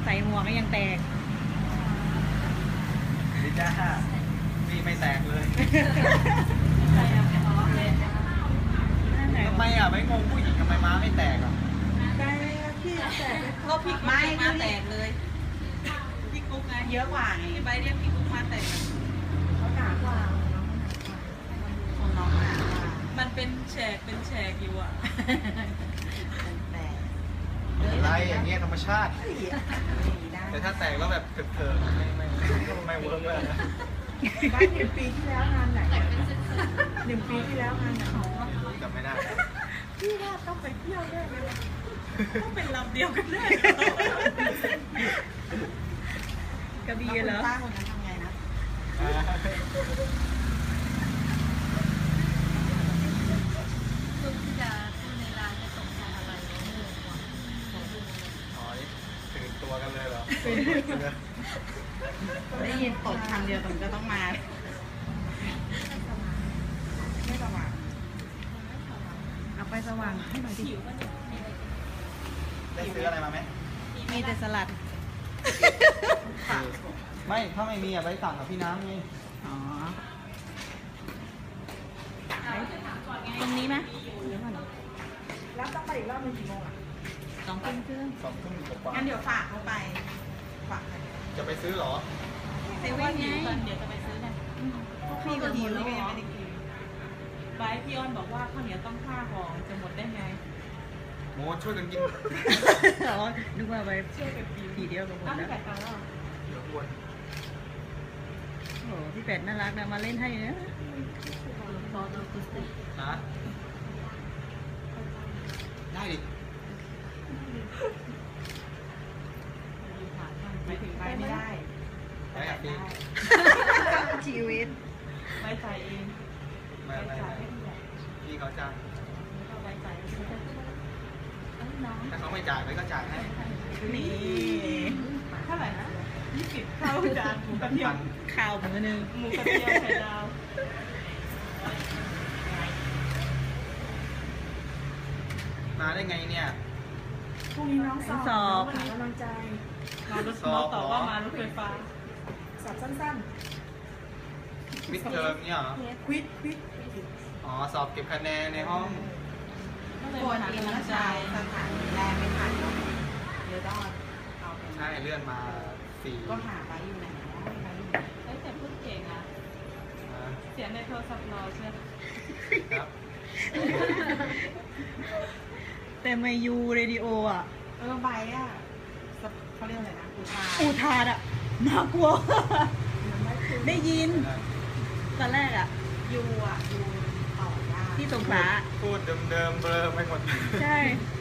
ส่หัวก็ยังแตกดิจ้าพี่ไม่แตกเลยทำไมอ่ะไม่งงผู้หญิงทำไมม้าไม่แตกอ่ะได้พี่แตกก็พี่ไม่มาแตกเลยพี่กุ๊กไงเยอะกว่าไงพี่ใบเรียกพี่กุ๊กมาแตกเขาหนากว่าของน้องหนากว่ามันเป็นแฉกอยู่อ่ะอะไรอย่างเงี้ยธรรมชาติแต่ถ้าแตกแล้วแบบเถิดๆไม่เวิร์กเลยบ้าน1 ปีที่แล้วงานไหน1 ปีที่แล้วงานไหนจำไม่ได้พี่ว่าต้องไปเที่ยวแน่เลยต้องเป็นลำเดียวกันแน่กระบี่เหรอป้าคนนั้นทำไงนะลูกที่จะพูดในร้านจะส่งทางอะไรตื่นตัวกันเลยเหรอได้ยินตดคำเดียวตรงจะต้องมาไม่สว่างเอาไปสว่างให้หน่อยดิได้ซื้ออะไรมาไหมมีแต่สลัดไม่ถ้าไม่มีอ่ะไปสั่งกับพี่น้ำไงอ๋อตรงนี้ไหมแล้วต้องไปอีกรอบนึงกี่โมงอ่ะ 2 ทุ่มครึ่งกว่างั้นเดี๋ยวฝากเขาไปฝากจะไปซื้อหรอเซเว่นไงเดี๋ยวจะไปซื้อกันพี่ก็หิวแล้วยังไม่ได้กินบายพี่อ้อนบอกว่าข้าวเหนียวต้อง5 ห่อจะหมดได้ไงโมช่วยกันกินอ๋อนึกว่าไปช่วยกันกินทีเดียวกับหมดแล้วเดี๋ยวอ้วนโอ้พี่เป็ดน่ารักนะมาเล่นให้นะนะได้ดิไปถึงไปไม่ได้ไปอ่ะพี่ชีวิตไว้ใจเองไม่พี่เขาจ้างถ้าเขาไม่จ่ายไปก็จ่ายให้นี่เท่าไหร่นะ20ข้าวจานหมูกระเทียมข้าวมื้อนึงหมูกระเทียมไข่ดาวมาได้ไงเนี่ยพรุ่งนี้น้องสอบหากำลังใจน้องตอบว่ามารถไฟฟ้าสอบสั้นๆวิดเทอมเนี่ยเหรอควิดอ๋อสอบเก็บคะแนนในห้องควรเองนะจ๊ะสถานีแรกไม่ผ่านเดี๋ยวต้องเอาใช่เลื่อนมา4 ก็หาไปอยู่ไหนแต่พูดเก่งอ่ะเสียงในโทรศัพท์รอเชื่อครับแต่ไม่ยูเรดิโออ่ะใบอ่ะเขาเรียกอะไรนะอุทานอ่ะน่ากลัวได้ยินตอนแรกอ่ะยูต่อยากที่สงขลาพูดเดิมๆเบลอไม่หมดใช่